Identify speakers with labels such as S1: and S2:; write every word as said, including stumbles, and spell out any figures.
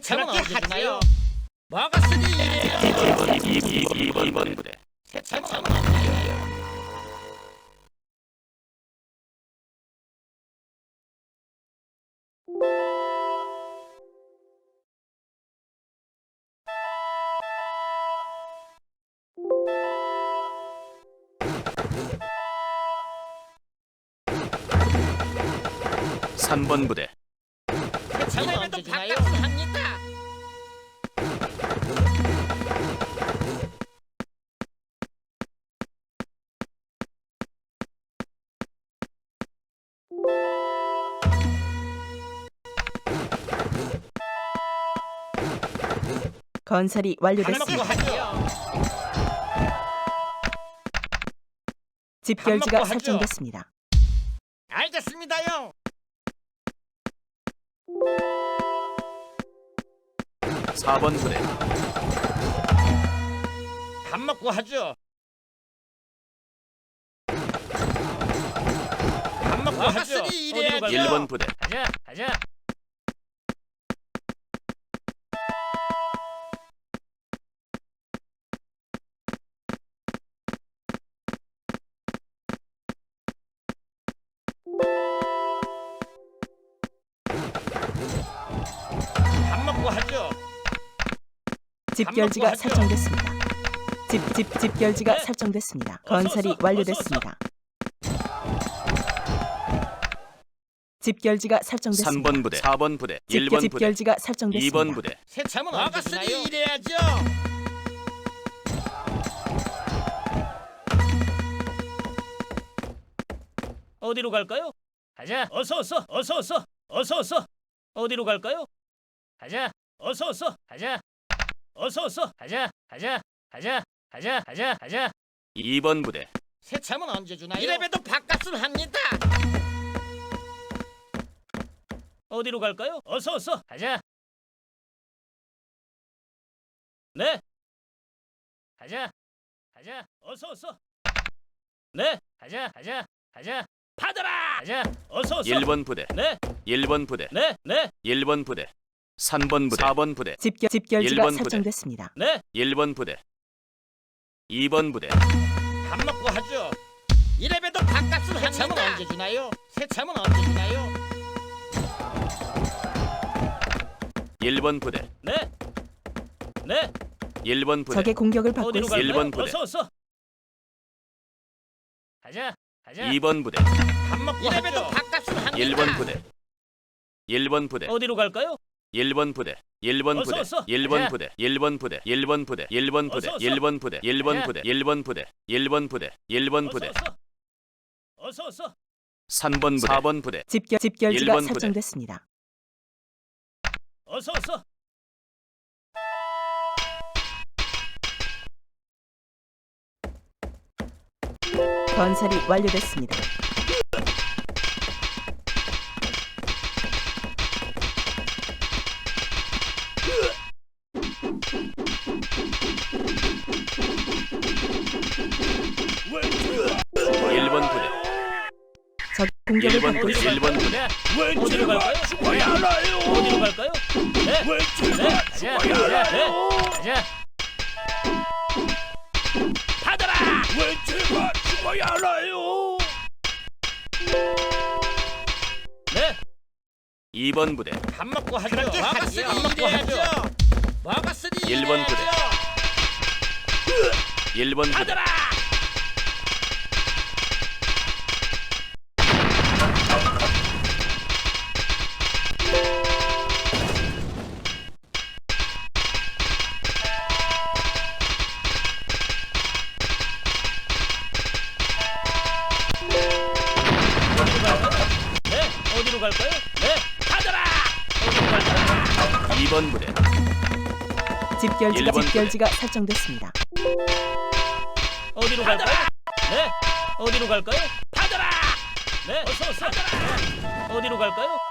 S1: 세참은 언제 주나요? 뭐가 쓰니 이래야죠.
S2: 이 번 부대
S1: 세참은 언제 주나요?
S2: 삼 번 부대
S1: 세참은 언제 주나요? 합니다.
S3: 건설이
S1: 밥 먹고
S3: 완료됐습니다.
S1: 하죠.
S3: 집결지가
S1: 먹고 하죠.
S3: 설정됐습니다.
S1: 알겠습니다요.
S2: 사 번 부대
S1: 밥 먹고 하죠. 밥 먹고 하죠. 어디로
S2: 일 번 부대
S1: 가자, 가자. 밥 먹고 하죠.
S3: 집결지가
S1: 하죠.
S3: 설정됐습니다. 집, 집, 집결지가
S1: 네.
S3: 설정됐습니다.
S1: 어서,
S3: 건설이
S1: 어서,
S3: 완료됐습니다. 집결지가
S2: 삼
S3: 설정됐습니다.
S2: 번 부대 사 번 부대 일
S3: 집결,
S2: 번 부대
S3: 집결지가 설정됐습니다.
S2: 이 번 부대
S1: 세참은 언제 주나요? 이래야죠. 어디로 갈까요? 가자. 어서 어서 어서 어서 어서 어서 어디로 갈까요? 가자. 어서 어서 가자. 어서 어서 가자. 가자. 가자. 가자. 가자. 가자.
S2: 이 번 부대
S1: 세참은 언제 주나요? 이래봬도 밥값은 합니다. 어디로 갈까요? 어서 어서 가자. 네. 가자. 가자. 어서 어서. 네. 가자. 가자. 가자. 받아라. 가자. 어서 어서.
S2: 일 번 부대
S1: 네.
S2: 일 번 부대
S1: 네. 네.
S2: 일 번 부대 삼 번 부대 사 번 부대
S3: 집결,
S2: 일
S3: 집결지가
S2: 번 부대.
S3: 설정됐습니다.
S1: 네.
S2: 일 번 부대 이 번 부대
S1: 밥 먹고 하죠. 이래봬도 밥값은 합니다. 세참은 언제 주나요? 세참은 언제 주나요?
S2: 일 번 부대
S1: 네. 네.
S2: 일 번 부대
S3: 적의 공격을 받고
S1: 어디로
S3: 있습니다.
S1: 갈까요?
S2: 일 번 부대.
S1: 어서 어서. 가자. 가자.
S2: 이 번 부대
S1: 밥 먹고 이래봬도 밥값은 합니다.
S2: 일 번 부대 일 번 부대
S1: 어디로 갈까요?
S2: 일 번 부대 일 번
S1: 어서,
S2: 부대
S1: 어서.
S2: 일 번
S1: 가자.
S2: 부대 일 번 부대 일 번 부대 일 번 부대
S1: 어서, 어서.
S2: 일 번 부대 일 번
S1: 가자.
S2: 부대 일 번 부대 일 번 부대 일 번 부대
S1: 어서 어서. 어서 어서.
S2: 삼 번 부대 사 번 부대
S3: 집결, 집결지가
S2: 일 번 부대.
S3: 설정됐습니다.
S1: 어서 어서.
S3: 건설이 완료됐습니다.
S2: 일 번 부대
S3: 적 공격을
S2: 일 번
S3: 받고
S2: 부대
S3: 있습니다.
S2: 일 번 부대
S1: 네. 어디로 갈까요? 어디로 갈까요? 네. 네. 가자. 가자. 네. 가자. 받아라.
S4: 왜 제가 죽어야 하나요?
S1: 네.
S2: 이 번 부대
S1: 밥 먹고 하죠. 뭐가 쓰니 밥 먹고 하죠. 뭐가 쓰니
S2: 일 번 부대. 일 번 부대
S1: 받아라. 어디로 갈까요? 네. 어디로 갈까요? 네. 받아라. 어디로 갈까요?
S2: 이 번 부대
S3: 집결지가
S2: 일 번 부대.
S3: 집결지가 설정됐습니다.
S1: 어디로 갈까요? 네. 어디로 갈까요? 받아라. 네. 어서 어서. 받아라. 어디로 갈까요?